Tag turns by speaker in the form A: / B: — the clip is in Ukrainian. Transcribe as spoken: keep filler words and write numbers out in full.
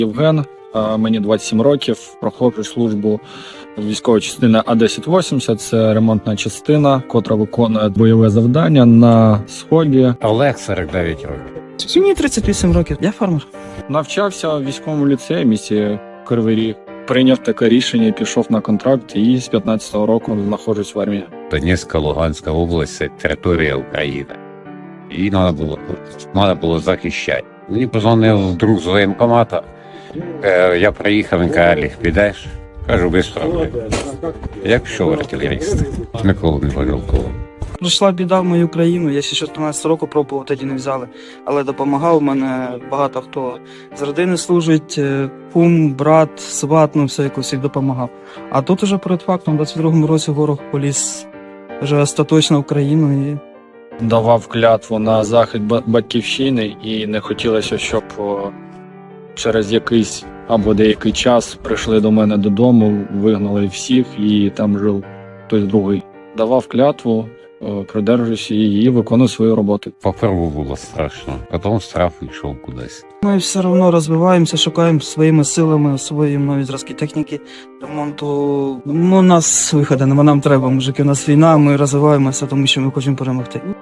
A: Євген, мені двадцять сім років, проходжу службу військової частини А десять вісімдесят. Це ремонтна частина, котра виконує бойове завдання на сході.
B: Олег, сорок дев'ять років.
C: Мені тридцять вісім років, я фермер.
A: Навчався в військовому ліцеї в місті Кривий Ріг. Прийняв таке рішення і пішов на контракт, і з п'ятнадцятого року знаходжусь в армії.
B: Донецька, Луганська область – це територія України. Її треба було, треба було захищати. Мені позвонив друг з воєнкомата. Е, я приїхав, він каже: Олег, підеш? Кажу, без проблем. Я пішов артилеріст. Ніколи не пожалкував.
C: Прийшла біда в мою країну, я ще чотирнадцятого року пробував, тоді не взяли. Але допомагав, мене багато хто з родини служить, кум, брат, сват, ну все, якось всіх допомагав. А тут уже перед фактом, в двадцять другому році ворог поліз вже остаточно в країну. І...
A: Давав клятву на захист батьківщини, і не хотілося, щоб через якийсь або деякий час прийшли до мене додому, вигнали всіх і там жив хтось другий. Давав клятву, придержуюся її і виконую свою роботу.
B: Поперву було страшно, потім страх йшов кудись.
C: Ми все одно розвиваємося, шукаємо своїми силами, свої нові зразки техніки, ремонту. Ну, у нас виходу нема, нам треба, мужики, у нас війна, ми розвиваємося, тому що ми хочемо перемогти.